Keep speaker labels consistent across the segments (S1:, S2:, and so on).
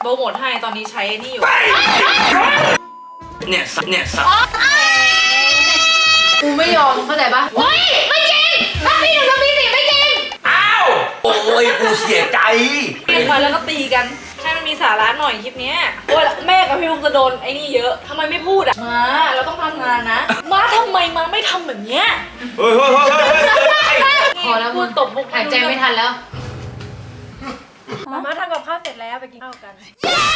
S1: โปรโมทให้ตอนนี้ใช้นี่อยู่
S2: เนี่ย
S3: กูไม่ยอมเข้าใจปะเฮ้ยไม่จริงถ้าพี่หนึ่งจะมีสิไม่จริง
S2: อ้าวโอ้ยกูเสียใจ
S1: เรียกมาแล้วก็ตีกันให้มันมีสาระหน่อยคลิปนี้โอ้ยแม่กับพี่ลุงจะโดนไอ้นี่เยอะทำไมไม่พูดอ่ะมาเราต้องทำงานนะมาทำไมมาไม่ทำแบบเนี้ย
S2: เฮ้ย
S3: พอแล้วพูดตบมุกหายใจไม่ทันแล้ว
S4: มาทำกับข้าวเสร็จแล้วไปกินข้าวกัน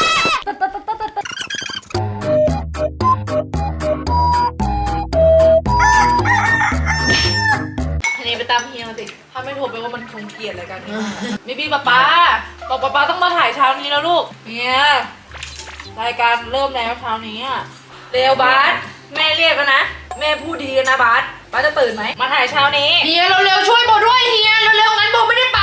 S1: ทีนี้ไปตามเฮียมาสิถ้าไม่โทรไปว่ามันคงเกลียดอะไรกันมีพี่ป๊าบอกป๊าต้องมาถ่ายเช้านี้แล้วลูกเนี่ยรายการเริ่มแล้วเช้านี้อ่ะเร็วบาสแม่เรียกแล้วนะแม่พูดดีๆนะบาสจะตื่นไหมมาถ่ายเช้านี้
S3: เฮียเร็วๆช่วยโบด้วยเฮียเร็วๆงั้นโบไม่ได้ไป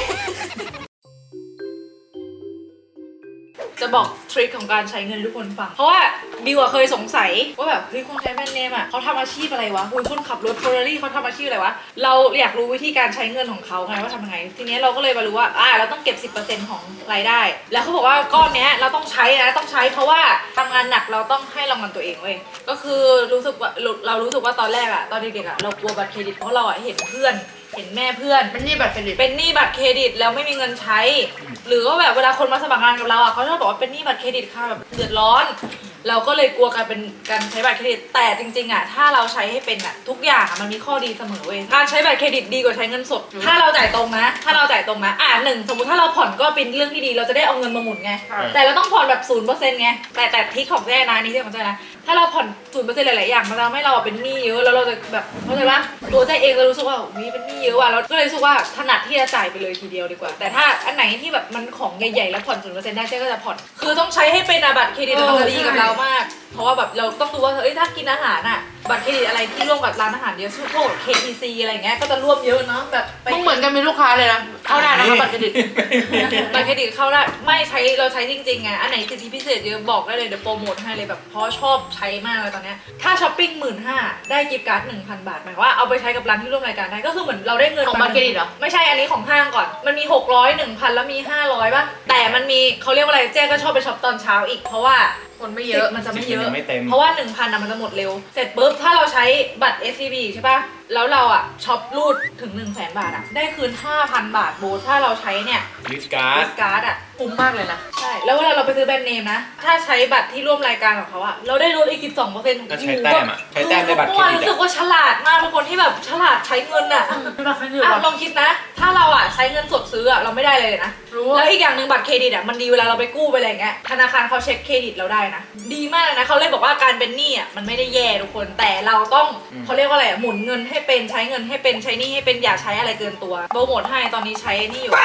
S1: จะบอกทริคของการใช้เงินทุกคนฟังเพราะว่าบิวเคยสงสัยว่าแบบเฮ้ยคนใช้แบรนด์เนมอ่ะเขาทำอาชีพอะไรวะคนขับรถเฟอร์รารี่เขาทำอาชีพอะไรวะเราอยากรู้วิธีการใช้เงินของเขาไงว่าทำยังไงทีนี้เราก็เลยมารู้ว่าเราต้องเก็บ 10% ของรายได้แล้วเขาบอกว่าก้อนเนี้ยเราต้องใช้นะต้องใช้เพราะว่าทำงานหนักเราต้องให้รางวัลตัวเองเว้ยก็คือรู้สึกว่าตอนแรกอ่ะตอนเด็กๆอ่ะเรากลัวบัตรเครดิตเพราะเราเห็นเพื่อนเห็นแม่เพื่อน
S3: เป็นหนี้บัตรเครดิต
S1: แล้วไม่มีเงินใช้หรือว่าแบบเวลาคนมาสมัครงานกับเราอ่ะเขาชอบบอกว่าเป็นหนี้บัตรเครดิตค่ะแบบเดือดร้อนเราก็เลยกลัวการใช้บัตรเครดิตแต่จริงๆอ่ะถ้าเราใช้ให้เป็นอ่ะทุกอย่างมันมีข้อดีเสมอเว้ยการใช้บัตรเครดิตดีกว่าใช้เงินสดถ้าเราจ่ายตรงนะหนึ่งสมมติถ้าเราผ่อนก็เป็นเรื่องที่ดีเราจะได้เอาเงินมาหมุนไงแต่เราต้องผ่อนแบบ 0% ไงแต่ทริคของแจ้นะนี่ที่ของแจ้นะถ้าเราผ่อน 0% หลายๆอย่างมันทำให้เราเป็นหนี้เยอะแล้วเราจะแบบเข้าใจปะตัวแจ้เองจะรู้สึกว่ามีเป็นหนี้เยอะว่ะเราก็เลยรู้สึกว่าถนัดที่จะจ่ายไปเลยทีเดียวดีกว่าแต่ถ้าอันไหนที่แบบมันของใหญ่ๆแล้วผ่อน 0% ได้แจ้ก็จะผ่อนคือต้องใช้ให้เป็นบัตรเครดิตมันจะดีกับเรามากเพราะว่าแบบเราต้องดูว่าถ้ากินอาหารอ่ะบัตรเครดิตอะไรที่ร่วมกับร้านอาหารเยอะพวก KTC อะไรเงี้ยก็จะร่วมเยอะเนาะแบบ
S3: มึงเหมือนกันมีลูกค้าเลยนะเข้าได้นะครับบัตรเครดิต
S1: บัตรเครดิตเข้าได้ไม่ใช้เราใช้จริงๆไงอันไหนสิทธิพิเศษเยอะบอกได้เลยเดี๋ยวโปรโมทให้เลยแบบเพราะชอบใช้มากเลยตอนเนี้ยถ้าช้อปปิ้ง 15,000 ได้กิฟต์การ์ด 1,000 บาทหมายว่าเอาไปใช้กับร้านที่ร่วมรายการได้ก็คือเหมือนเราได้เงิน
S3: ของบัตรเครดิตเหรอ
S1: ไม่ใช่อันนี้ของห้างก่อนมันมี600 1,000แล้วมี500ป่ะแต่มันมีเขาเรียกว่าอะไรเจ๊ก็ชอบไปช็อปตอนเช้าอีกเพราะว่า
S3: คนไม่เยอะ
S1: มันจะไม่เยอะเพราะว่า 1,000 มันจะหมดเร็วเสร็จปุ๊บถ้าเราใช้บัตร SCB ใช่ป่ะแล้วเราช็อปรูดถึง 100,000 บาทได้คืน 5,000 บาทโบถ้าเราใช้เนี่ย
S2: ลิสการ์ด
S1: คุ้มมากเลยนะใช่แล้วเวลาเราไปซื้อแบรนด์เนมนะถ้าใช้บัตรที่ร่วมรายการของเขาเราได้ลดอีก 12%
S2: ก็ใช้แต้มในบัตรเครดิต
S1: รู้สึกว่าฉลาดมากเป็นคนที่แบบฉลาดใช้เงินลองคิดนะถ้าเราใช้เงินสดซื้อเราไม่ได้เลยนะแล้วอีกอย่างหนึ่งบัตรเครดิตมันดีเวลาเราไปกู้ไปอะไรเงี้ยธนาคารเขาเช็คเครดิตเราได้นะดีมากเลยนะเขาเลยบอกว่าการเป็นหนี้มันไม่ได้แย่ทุกคนแต่เราต้องเขาเรียกว่าอะไรหมุนเงินให้เป็นใช้เงินให้เป็นใช้หนี้ให้เป็นอย่าใช้อะไรเกินตัวโปรโมทให้ตอนนี้ใช้นี่อยู่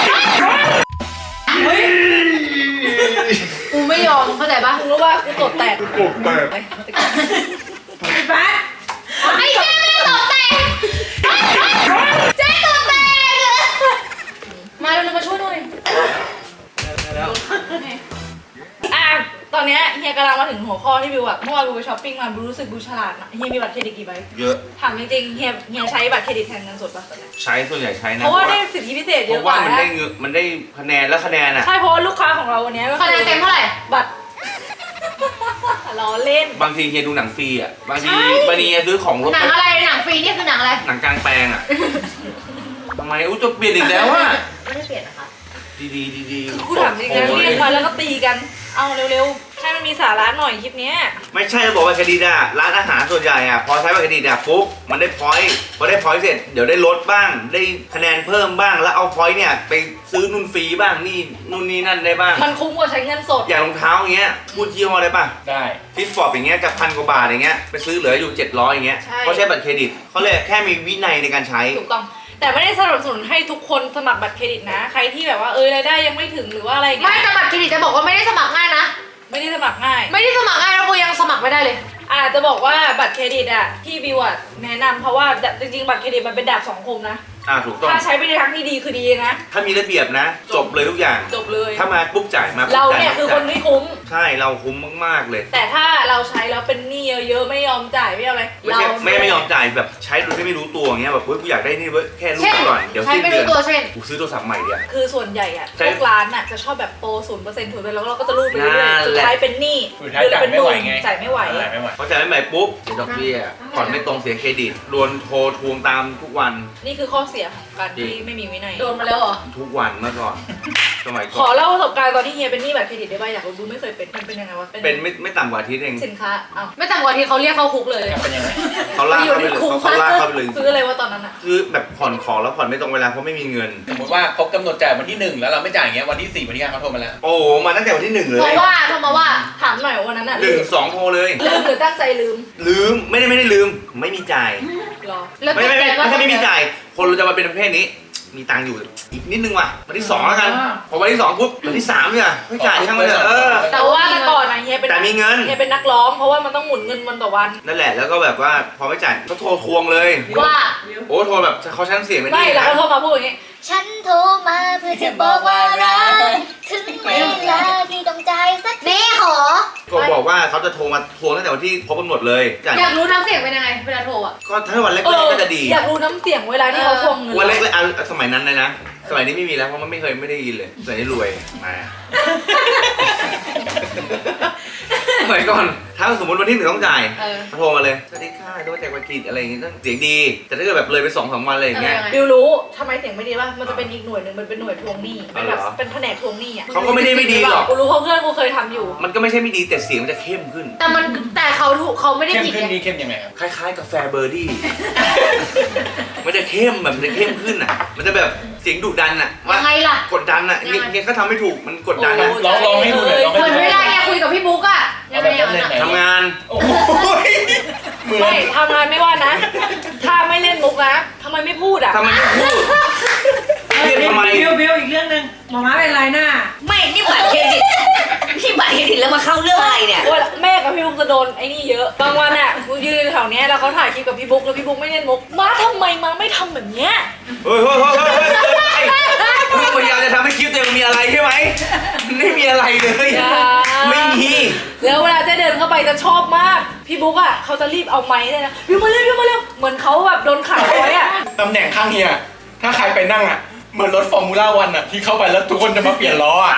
S3: กูไม่ยอมเข้าใจปะ
S1: กูรู้ว่ากูตดแตก
S3: ไอ้บ้าไอ้เจ๊ไม่ตดแตกเจ๊ตดแตกมาเร็วมาช่วยหน่อย
S1: ตอนนี้เฮียกำลังมาถึงหัวข้อที่บิวเมื่อวานบิวไปช้อปปิ้งมาบิวรู้สึกบิวฉลาดนะเฮียมีบัตรเครดิตกี่ใบ
S2: เยอะ
S1: ถามจริงๆเฮียใช้บัตรเครดิตแทนเงินสดป่ะ
S2: ใช้ส่วนใหญ่ใช้นะ
S1: เพราะว่าได้สิทธิพิเศษเยอะกว่า
S2: เพราะว่ามันได้คะแนนและคะแนน
S1: ใช่เพราะว่าลูกค้าของเราวันนี้
S3: คะแนนเต็มเท่าไหร่
S1: บัตรล้อเล่น
S2: บางทีเฮียดูหนังฟรีบางทีซื้อของรถ
S3: หนังอะไรหนังฟรีนี่คือหนังอะไร
S2: หนังกลางแปลงทำไมจะเปลี่ยนอีกแล้ว
S3: ไม่ได้เปลี่ยนนะคะ
S2: ดี
S1: กูถามจริงนะเรียกมาแล้วก็ตีกันเอาเร็วๆให้มันมีสาระหน่อยคลิปนี้
S2: ไม่ใช่จะบอกว่าเครดิตร้านอาหารส่วนใหญ่พอใช้บัตรเครดิตปุ๊บมันได้พอยต์พอได้พอยต์เสร็จเดี๋ยวได้ลดบ้างได้คะแนนเพิ่มบ้างแล้วเอาพอยต์เนี่ยไปซื้อนู่นฟรีบ้างนี่นู่นนี่นั่นได้บ้าง
S1: มันคุ้มกว่าใช้เงินสด
S2: อย่างรองเท้าอย่างเงี้ยพูดยี่ห้อได้ป่ะได้ฟิตฟอร์ดอย่างเงี้ยจาก1,000 กว่าบาทอย่างเงี้ยไปซื้อเหลืออยู่700อย่างเงี้ยเพราะใช้บัตรเครดิตเขาเลยแค่มีวินัยในการใช้
S1: ถูกต้องแต่ไม่ได้สนับสนุนให้ทุกคนสมัครบัตรเครดิตนะใครที่แบบว่ารายได้ยังไม่ถึงหรือว่าอะไรเงี้ย
S3: ไม่แต่บัตรเครดิตจะบอกว่าไม่ได้สมัครง่ายนะ
S1: ไม่ได้สมัครง่าย
S3: แล้วกูยังสมัครไม่ได้เลย
S1: จะบอกว่าบัตรเครดิตที่บิวแนะนำเพราะว่าจริงๆบัตรเครดิตมันเป็นดาบสองคมนะ
S2: ถูกต้อง
S1: ถ้าใช้ไปในทางที่ดีคือดีนะ
S2: ถ้ามีระเบียบนะ จบเลยทุกอย่าง
S1: จบเลย
S2: ถ้ามาปุ๊บจ่ายมาปุ๊บ
S1: เรา
S2: จ่าย
S1: เนี่ยคือคนที่คุ้ม
S2: ใช่เราคุ้มมากๆเลย
S1: แต่ถ้าเราใช้แล้วเป็นหนี้เยอะๆไม่ยอมจ่ายไม่เอาอะไร
S2: ไม่ใช่ไม่ยอมจ่ายแบบใช้โดยที่ไม่รู้ตัวอย่างเงี้ยแบบเฮ้ยกูอยากได้นี่เว้ยแค่รู้
S3: เช่น
S2: ก่อนเดี๋ยว
S3: ใช้
S2: สิ้น
S3: ไม่
S2: เดื
S3: รู้
S2: อน
S3: ตัวเช่น
S2: กูซื้อโทรศัพท์ใหม่เดี๋ยว
S1: คือส่วนใหญ่อะ
S2: ใช่
S1: พวกร้านน่ะจะชอบแบบโปร0%ถูกไปแล้วเราก็จะรูดไปเรื่อย
S2: นั่น
S1: ๆสุด
S2: แหละ
S1: ท้ายเป็นหนี้
S5: สุดท้ายจ่ายไม่ไหวไง
S1: จ่ายไม่ไหว
S5: จ่ายไม่ไหว
S2: พอจ่ายไม่ใหม่ปุ๊บเสียดอกเบี้ยผ่อนไม่ตรงเสียเครดิตโดนโทรทวงตามทุกวัน
S1: นี่คือข้อเสียของการที่ไม่มีวินัย
S3: โดนมาแล้วเหรอ
S2: ทุกวันเมื่อก่อนสมัย
S1: ข
S2: ก่
S1: อ
S2: อน
S1: เล่าประสบการณ์ตอนที่เฮียเป็นหนี้บัตรเครดิตได้ป่ะอยากรู้ไม่เคยเป็นมันเป็นยังไงวะ
S2: เป็นไม่ต่ำกว่าอาทิตย์เอง
S1: สินค้าอ้าว
S3: ไม่ต่ำกว่าที่เขาเรียกเข้าคุกเลย
S5: เป็นยังไง
S2: เขาลากเข้าไปเลยเขาลากเข้าไปเลย
S1: ซื้ออะไรวะตอนนั้นอะ
S2: คือแบบผ่อนของแล้วผ่อนไม่ตรงเวลาเพราะไม่มีเงิน
S5: สมมติว่าครบกำหนดจ่ายวันที่ 1 แล้วเราไม่จ่ายอย่างเงี้ยวันที่ 4 วันที่ 5เขาโทรมาแล้ว
S2: โอ้โหมาตั้งแต่วันที่หนึ่งเล
S3: เพ
S2: ย
S3: ราะว่าโทรมาว่า
S1: ถามหน่อยว่าวันนั้นอะ
S2: หนึ่งสองโทรเลย
S1: ลืมหรือตั้งใจลืม
S2: ลืมไม่ได้ลืมไม่มีจ่าย
S1: หรอ
S3: แล้ว
S2: ไม่
S3: ตกใจว่า
S2: ใช่ไม่มีจ่าย คนเราจะมาเป็นประเภทนี้ มีตังค์อยู่อีกนิดนึงว่ะวันที่ 2แล้วกัน พอวันที่ 2ปุ๊บวันที่ 3เนี่ยไม่จ่ายช่างมันเถอะ
S1: แต่ว่าแต่ก่อนอะเฮียเป็น
S2: แต่มีเงิน
S1: เฮียเป็นนักร้องเพราะว่ามันต้องหมุนเงินวันต่อวัน
S2: นั่นแหละแล้วก็แบบว่าพอไม่จ่ายเขาโทรทวงเลย
S3: ว่า
S2: โอ้โทรแบบเขาชั้นเสียงไม่
S1: ไม่
S2: ดี
S1: แล้ว
S2: นะ
S1: เขาโทรมาพูดอย่างงี้
S3: ฉันโทรมาเพื่อจะบอกว่ารักถึงเวลาที่ต้องใจายสักนี่ขอ
S2: ก็บอกว่าเขาจะโทรมาทวงตั้งแต่วันที่ครบกำหนดเลยจ่าย
S3: อยากรู้น้ำเสียงเป็นยังไงเวลาโทรอ่ะ
S2: ก็ถ้าวันแรก
S1: เออ
S2: ๆก็จะดี
S1: อยากรู้น้ำเสียงเวลาที่เขาทวงเงิน
S2: วันแรกๆเอาสมัยนั้นเลยนะ สมัยนี้ไม่มีแล้วเพราะมันไม่ได้ยินเลยสมัยนี้รวยมาสมัยก่อนถ้าสมมติวันที่ 1ต้องจ่าย
S3: เออ
S2: โทรมาเลยสวัสดีค่ะโทรมาจากวัดกิจอะไรอย่างงี้ต้องเสียงดี แต่ถ้าเกิดแบบเลยไป2-3 วันอะไรอย่างเงี้ย
S1: บิวรู้ทำไมเสียงไม่ดีป่ะมันจะเป็นอีกหน่วยหนึ่งมันเป็นหน่วยทวงหนี้เป็นแบบ
S2: อ๋อเหรอ
S1: เป็นแผนกทวงหนี้อ่ะ
S2: เขาก็ไม่ได้ไม่ดีหรอก
S1: กูรู้เพราะเพื่อนกูเคยทำอยู่
S2: มันก็ไม่ใช่ไม่ดีแต่เสียงมันจะเข้มขึ้น
S3: แต่เขาถูกเขาไม่ได้
S5: เข้ม
S3: ผิด
S5: ขึ้น
S3: ไง
S5: นี่เข้มยังไงครับ
S2: คล้ายๆกาแฟเบอร์ดี้ มันจะเข้มแบบมันจะเข้มขึ้นอ่ะ มันจะแบบเสียงดุดันอ่ะว่า
S3: ยังไงล่ะ
S2: กดดันอ่ะ
S3: ยังไง
S2: เงี้ยก็ทำไม่ถูกมันกดดันอ่ะ
S5: ลองให้ดูหน่อยลอง
S3: เหมือน
S5: ให้
S3: เว
S5: ดูหน่
S3: ลา
S5: อย
S3: แกคุยกับพี่บุ๊กอ่ะยังไงอย่างนั้นอะ
S2: ทำงาน
S5: โอ้ยเหมือน
S1: ไม่ทำงานไม่ว่านะ ถ้าไม่เล่นมุกนะทำไมไม่พูดอ่ะ
S2: ทำไมไม่พูดเรียกทำไม
S4: บิวอีกเรื่องหนึ่งหมอม้าเป็นไรหน้า
S6: ไม่ นี่บัตรเครดิต นี่บัตรเครดิตแล้วมาเข้าเรื่องอะไรเนี่ย
S1: ว่าแม่กับพี่บุ๊กจะโดนไอ้นี่เยอะ บางวันอ่ะกูยืนแถวเนี้ยแล้วเขาถ่ายคลิปกับพี่บุ๊กแล้วพี่บุ๊กไม่เล่นมุกมาทำไมมาไม่ทำแบบเนี้ย
S2: เฮ้ยพยายามจะทำให้คลิปตัวเองมีอะไรใช่ไหมมันไม่มีอะไรเลย
S1: อย่า
S2: ไม่มี
S1: แล้วเวลาเจ๊เดินเข้าไปจะชอบมาก พี่บุ๊กอ่ะเขาจะรีบเอาไม้เลยนะบิวมาเร็วบิวมาเร็วเหมือนเขาแบบโดนขายไว้อ่ะ
S5: ตำแหน่งข้างเฮียถ้าใครไปนั่งอ่ะ เหมือนรถฟอร์มูล่าวันอ่ะ ที่เข้าไปแล้วทุกคนจะมาเปลี่ยนล้ออ่ะ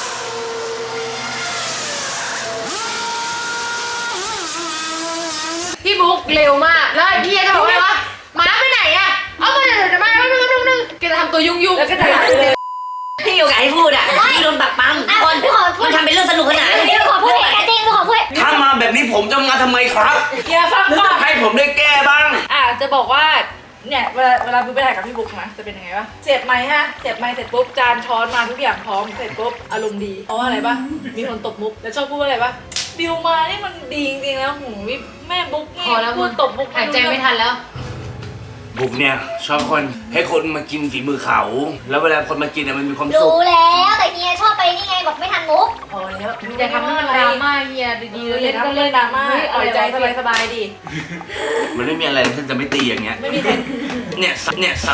S3: พี่บุ๊กเร็วมากแล้วพี่จะบอกว่าม้าไปไหนอ่ะเอามาเดี๋ยวมานึงแกจะทำตัวยุ่ง
S1: แล้วก็จะหายไปเลย
S6: พี่โอกาสให้พูดอ่ะพี่โดนปักปั๊มทุกคนมันทำเป็นเรื่องสนุกขนาดนี้
S3: ขอพูดเองจริงขอพูด
S2: ถ้ามาแบบนี้ผมจะมาทำไมครับ
S1: อย่าฟังก่อน
S2: ให้ผมได้แก้บ้าง
S1: จะบอกว่าเนี่ยเวลาบิวไปถ่ายกับพี่บุ๊กนะจะเป็นยังไงวะเสียบไม้ฮะเสียบไม้เสร็จปุ๊บจานช้อนมาทุกอย่างพร้อมเสร็จปุ๊บอารมณ์ดีเพราะว่าอะไรปะมีคนตบมุกแล้วชอบพูดว่าอะไรปะบิวมานี่มันดีจริงๆแล้วหูยแม่บุ๊กนี่
S3: พอแล้ว
S1: พูดตบมุก
S3: หายใจไม่ทันแล้ว
S2: บุกเนี่ยชอบคนให้คนมากินฝีมือเขา แล้วเวลาคนมากินเนี่ยมันมีความสุ
S3: รู้
S2: ข
S3: แล้วแต่เฮียชอบไปนี่ไงบอกไม่ทันมุก
S1: พอแล้ว
S3: อย่าทำให้มันดราม่าเฮียดีๆ
S1: เล่
S3: เล่
S1: น
S3: น
S1: ก็
S3: ก็
S1: เล่
S3: เล่
S1: น
S3: น
S1: ดราม่าปล่อยใจสบายๆดิ
S2: มันไม่มีอะไรที่จะไม่ตีอย่างเงี้ย
S1: ไม่มีใคร
S2: เนี่ยสับ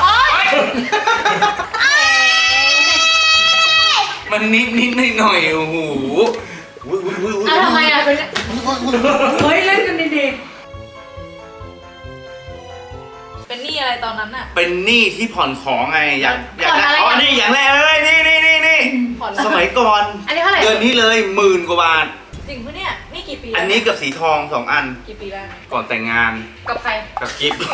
S2: มันนิดหน่อยโอ้โหอุ้ย
S3: อ่ะทำไมอ่ะเป็น
S4: เฮ้ย เล่นกันดี
S1: เป็นหนี้อะไรตอนนั้นน่ะ
S2: เป็นหนี้ที่ผ่อนของไงอยาก
S3: ผ่อนอะไร
S2: อ๋อ
S3: อ่ะ
S2: นี่อย่างแรกเลยนี่
S1: ผ่อน
S2: สมัยก่อน
S3: อันนี้เท่าไหร่
S2: เดือนนี้เลย10,000 กว่าบาท
S1: จริงปะเนี่ยนี่กี่ปี
S2: อันนี้กับสีทอง2 อัน
S1: กี่ปีแล้ว
S2: ก่อนแต่งงาน
S3: กับใคร
S2: กับกิฟต์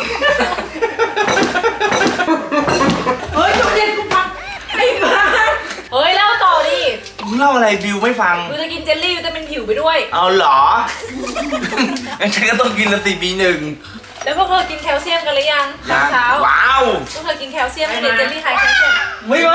S4: ๆ เฮ้ยจุดเด่นกูฟังไอ้บ้า
S1: เฮ้ยเล่าต่อดิ
S2: มึงเล่าอะไรบิวไม่ฟัง
S1: กูจะกินเจลลี่วิตามินผิวไปด้วย
S2: เอาเหรอ งั้นฉันก็ต้องกินละ4 ปี1
S1: แล้วพวกเธอกินแคลเซียมกันหรือยังตอนเช้า
S2: ว้าว
S1: พวกเธอกินแคลเซียมไม่ได้เจลลี่ไฮแคลเซียม
S2: ไม่ไหว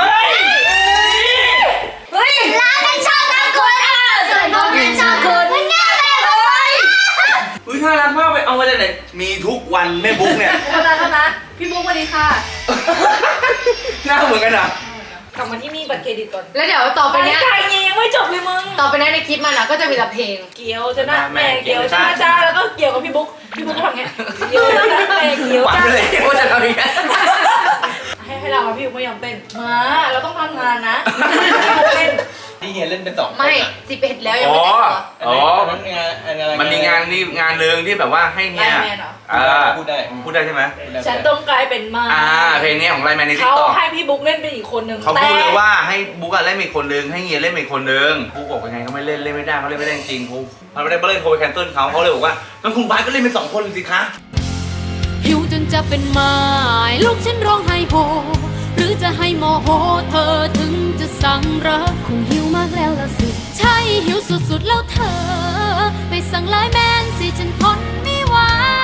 S1: เฮ้ย
S3: ร้านนั้นชอบน้ำคุณส่วนน้องนั้นชอบคุณไม่แน่เลยเลย
S2: อุ้ยน่ารักมากไปเอามาจากไหนมีทุกวันแม่บุ๊กเนี่ย
S1: เท่านะพี่บุ๊กสวัสดีค่ะ
S2: หน้าเหมือนกันอ่ะ
S1: กลับมาที่นี่บัตรเครดิตก่อน
S3: แล้วเดี๋ยวต่อไป
S1: ไป
S3: เนี้ย
S1: ไกลยังไม่จบเลยมึง
S3: ต่อไปเนี้ยในคลิปมันอ่ะก็จะมีแต่เพลง
S1: เกียวจะหน้าแม่เกียวจ้าจ้าแล้วก็เกี่ยวกับพี่บุ๊กก็ทำไงเกียวจะหน้าแม่เกียว
S2: หวัง
S1: จ้า
S2: เลยว่าจะทำอย่างนี้
S1: ให้เราพี่บุ๊กไม่ยอมเต้นมาเราต้องทำงานนะเต้น
S5: ที่เฮียเล่นเป็น2 คน
S3: ไม่
S5: อะ
S3: 11แล้วยังไม่แต่งตัว
S2: อ๋อ
S5: อันนั้นงานอะไร
S2: มันมีงานนี่งานหนึ่งที่แบบว่าให้เนี่ย
S1: ไลน์แมนเหรอ
S5: พูดได้
S2: พูดได้ใช่ไหม
S1: ฉันต้องกลายเป็นมา
S2: เพลงนี้ของไลน์แมนในติ๊
S1: เขา
S2: กต็อก
S1: ให้พี่บุ๊กเล่นเป็นอีกคนนึง
S2: เขาพูดเลยว่าให้บุ๊กอะเล่นเป็นอีกคนนึงให้เฮียเล่นเป็นอีกคนนึงบุ๊กบอกยังไงเขาไม่เล่นไม่ได้เขาเล่นไม่ได้จริงๆเขาไม่ได้เล่นโทรไปแคนเซิลเขาเลยบอกว่างั้นคุณบาสก็เล่นเป็น2 คนสิคะ
S7: หิวจนจะเป็นไม้ลูกฉันร้องไห้โฮหรือจะให้โมโหเธอถึงจะสั่งรักคงหิวมากแล้วล่ะสิใช่หิวสุดๆแล้วเธอไปสั่งไลน์แมนสิฉันทนไม่ไหว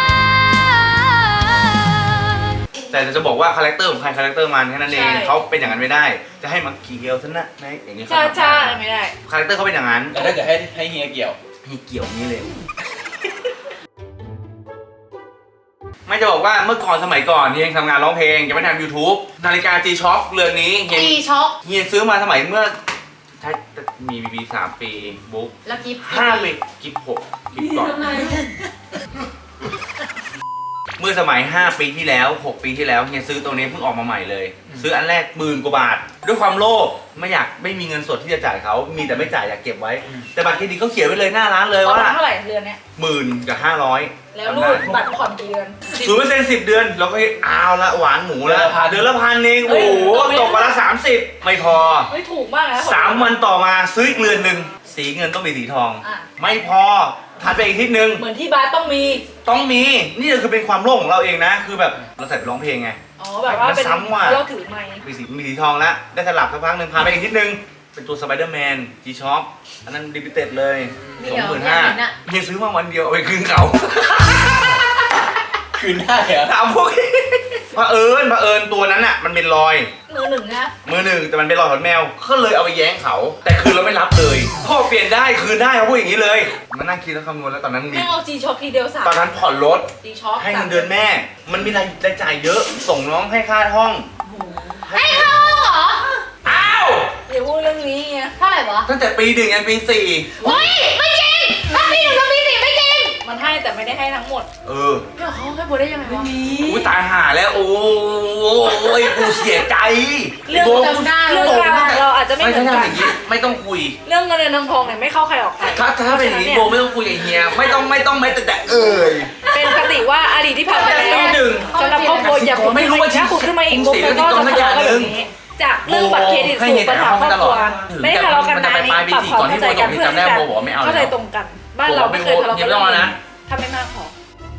S2: แต่จะบอกว่าคาแรคเตอร์ของใครคาแรคเตอร์มันแค่นั้นเองเขาเป็นอย่างนั้นไม่ได้ จะให้มาเกี่ยวซะนะในอย่างนี้
S1: ใช่ไม่ได้
S2: คาแรคเตอร์เขาเป็นอย่างนั้น
S5: แล้วถ้าเกิดให้เฮียเกี่ยว
S2: ให้เกี่ยวนี้เลย ไม่จะบอกว่าเมื่อก่อนสมัยก่อนเฮียยังทำงานร้องเพลงยังไม่ทำ YouTube นาฬิกา G-Shock เรือนนี้เฮีย
S3: ตีช็อก
S2: เฮียซื้อมาสมัยเมื่อใช่มีBB 3 ปีบุ๊ก
S3: แล้วกิฟต์
S2: 5 ปีกิฟ6กิฟก่อน เมื่อสมัย 5 ปีที่แล้ว 6 ปีที่แล้วเฮียซื้อตัวนี้เพิ่งออกมาใหม่เลย ซื้ออันแรก10,000 กว่าบาท ด้วยความโลภไม่มีเงินสดที่จะจ่ายเขามีแต่ไม่จ่ายอยากเก็บไว้ แต่บัตรเครดิตเขาเขียนไว้เลยหน้าร้านเลย
S1: ตอน
S2: ว่า
S1: นั้นเท่าไหร่เดือนเนี้ย
S2: 10,000 กับ 500
S1: แล้วรูดบัตรผ่อนกี่เดือน
S2: 0% 10 เดือนเราก็เอาละหวานหมูละเดือนละ1,000เองโอ้โห
S1: เฮ้ย
S2: ตกวันละ 30 ไม่พอ
S1: ไม่ถูกมากนะ
S2: 3 วันต่อมาซื้ออีกเรือนหนึ่งสีเงินต้องมีสีทอง
S1: อ่ะ
S2: ไม่พอถัดไปอีกทิศหนึ่ง
S1: เหมือนที่บาสต้องมี
S2: ต้องมีนี่คือเป็นความโลภของเราเองนะ คือแบบเราใส่ไปร้องเพลงไง
S1: อ๋อแบบว่าเป็น
S2: มันซ้ำว่ะ
S1: เราถือไมค์
S2: มีสีทองแล้วได้สลับสักพักหนึ่งผ่านไปอีกทิศหนึ่งเป็นตัวสไปเดอร์แมนG-Shock อันนั้นลิมิเต็ดเลย
S3: มีเหรอ
S2: 25,000
S3: อยากเห็นอะ
S2: เฮียซื้อมาวันเดียวเอาไปคืนเขา
S5: คืนได้เหรอ
S2: ถามพวกนี้เผอิญตัวนั้นอ่ะมันเป็นรอย
S1: มือหนึ่งนะ
S2: มือหนึ่งแต่มันเป็นรอยขนแมวก็เลยเอาไปแย้งเขา แต่คืนเราไม่รับเลยพ่อเปลี่ยนได้คืนได้เขาพูดอย่างนี้เลยมานั่งคิดแล้วคำนวณแล้วตอนนั้นมี
S1: แม่งเอาจีช็อคทีเดียว3
S2: ตอนนั้นผ่อนรถ
S1: จีช็อค
S2: ให้เงินเดือนแม่ มันมีรายจ่ายเยอะส่งน้องให้ค่าห้อง
S3: ให้เข้าเหรอ
S2: อ้าว
S1: อย่าพูดเรื่องนี้ไง
S3: เท่าไหร่วะ
S2: ตั้งแต่ปี1ยันปี
S3: เฮ้ยไม่จริงถ้าปี1กับปี4ไม่จริง
S1: มันให้แต่ไม่ได้ให้ทั้งหมด
S2: 4เออ
S1: เดี๋ยวเขาให้โบได้ยังไงวะ
S2: อุ้ยตายห่าแล้วโอ้ยกูเสียใจ
S1: เรื่อง
S2: โบ
S1: จำได้เรื่องราวของเราอาจจะไม่
S2: ไม่
S1: เหมื
S2: ใช่
S1: อนกัน
S2: อย่างนี้ไม่ต้องคุย
S1: เรื่องเงินเดือนทองเนี่ยไม่เข้าใครออกใคร
S2: ถ้าเป็นอย่างนี้โบไม่ต้องคุยกับเฮียไม่ต้องไม่แต่เอ่ย
S1: เป็นคติว่าอดีตที่ผ่านไปแล้ว
S2: หนึ่ง
S1: สำหรับครอบครัวอย่าขุด
S2: ไม่รู้ว่า
S1: ถ้าขุดขึ้นมาอีก
S2: ผม
S1: ปุ๊บ
S2: เสีย
S1: มันก็จะ
S2: ไป
S1: ทะเลาะกัน
S2: ตอนนั้น
S1: แบบนี้จากเรื่องบัตรเครดิตสู่ปัญหาครอบครัวไม่ได้ทะเลาะกันนะนี่ปรับความเข้าใจกันเพื่อที่จะเข้าใจตรงกัน บ้านเราไม่เคยทะเลาะกันเรื่องนี้ถ้าไม่มากพอ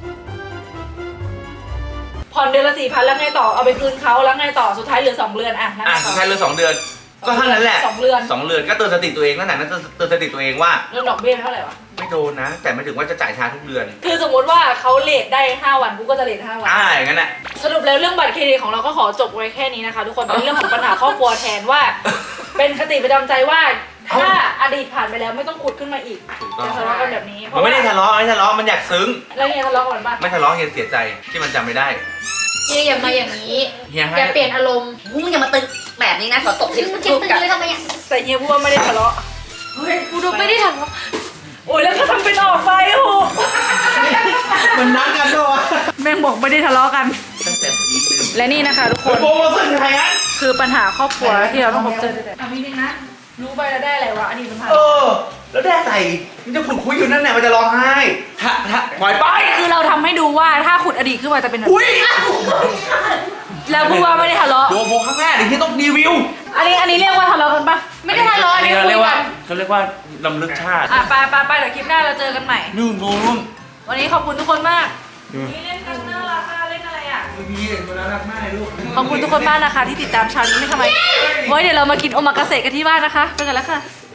S1: ผ่อนเดือนละ4,000แล้วไงต่อเอาไปคืนเขาแล้วไงต่อสุดท้ายเหลือ2 เดือนอ่ะนั่น
S2: อ่ะ
S1: ต่อ
S2: แค่เรื่อง2 เดือน ก็เท่านั้นแหละ
S1: 2 เดือน
S2: 2 เดือนก็เตือนสติตัวเองนั่นแหละนั่นเตือนสติตัวเองว่า
S1: เรื่องดอกเบี้ยเท่าไหร่วะ
S2: ไม่โดนนะ แต่ไม่ถึงว่าจะจ่ายช้าทุกเดือน
S1: คือสมมติว่าเขาเลทได้5 วันกูก็จะเลท5 วัน
S2: อย่างนั้นแหละ
S1: สรุปแล้วเรื่องบัตรเครดิตของเราก็ขอจบไว้แค่นี้นะคะ ทุกคนเป็นเรื่องของปัญหาครอบครัวแทนว่า เป็นคติประจำใจว่าถ้าอดีตผ่านไปแล้วไม่ต้องขุดขึ้นมาอีก
S2: ถูกต้อง
S1: จะทะเลาะกันแบบนี้
S2: มันไม่ได้ทะเลาะมันอยากซึ้ง
S1: แล้วเฮียทะเลาะกันปะ
S2: ไม่ทะเลาะเฮียเสียใจที่มันจำไม่ได้
S3: เฮียอย่ามาอย่างนี้
S2: เฮียให้
S3: อย่าเปลี่ยนอารมณ์
S6: มึงอย่ามาตึกแบบนี้นะขอตบที่
S3: มึงคิด
S6: ลูก
S3: ตึง
S6: กับ
S3: เลยทำไมอ่ะ
S1: แต่เฮียพูดว่าไม่ได้ทะเลาะ
S4: เฮ้ย
S1: กูดูไม่ได้ทะเลาะโอ้ยแล้วก็ทำเป็นออกไปโอ้โห
S5: มันนัดกันด้วยวะ
S1: แม่งบอกไม่ได้ทะเลาะกัน
S2: ตั้งแต่ปีหนึ่ง
S1: และนี่นะคะทุกคน
S2: โปรโมชั่นใครอ่ะ
S1: คือปัญหาครอบครัวที่เราต้องพบเจอด้วยกันอ่ะมีนึงนะรู้ไปแล้วได้อะไรวะอดีตมันผ่าน
S2: แล้วได้อะไรมันจะขุดคุยอยู่นั่นแหละมันจะร้องไห้ถ้าปล่อยไป
S1: คือเราทำให้ดูว่าถ้าขุดอดีตขึ้นมาจะเป็นแบบ
S2: อุ้ย
S1: แล้วพูดว่าไม่ได้ทะเลาะ
S2: โดโบข้างหน้าเดี๋ยวที่ต้องรีวิว
S1: อันนี้เรียกว่าทะเลาะกันปะ
S3: ไม่ได้ทะเลาะนี่คุยกัน
S2: เขาเรียกว่าลำลึกชาติ
S1: ไปเดี๋ยวคลิปหน้าเราเจอกันใหม่
S2: นู่น
S1: วันนี้ขอบคุณทุกคนมากนี่เล่นกันน่ารักเล่นอะไรอ่ะ
S2: พี่เด็กคนนั้นรักมากเลยลูก
S1: ขอบคุณทุกคนมากนะคะที่ติดตามชาวนี้ไม่ทำไมเดี๋ยวเรามากินโอมากาเสะกันที่บ้านนะคะไปกันแล้วค่ะ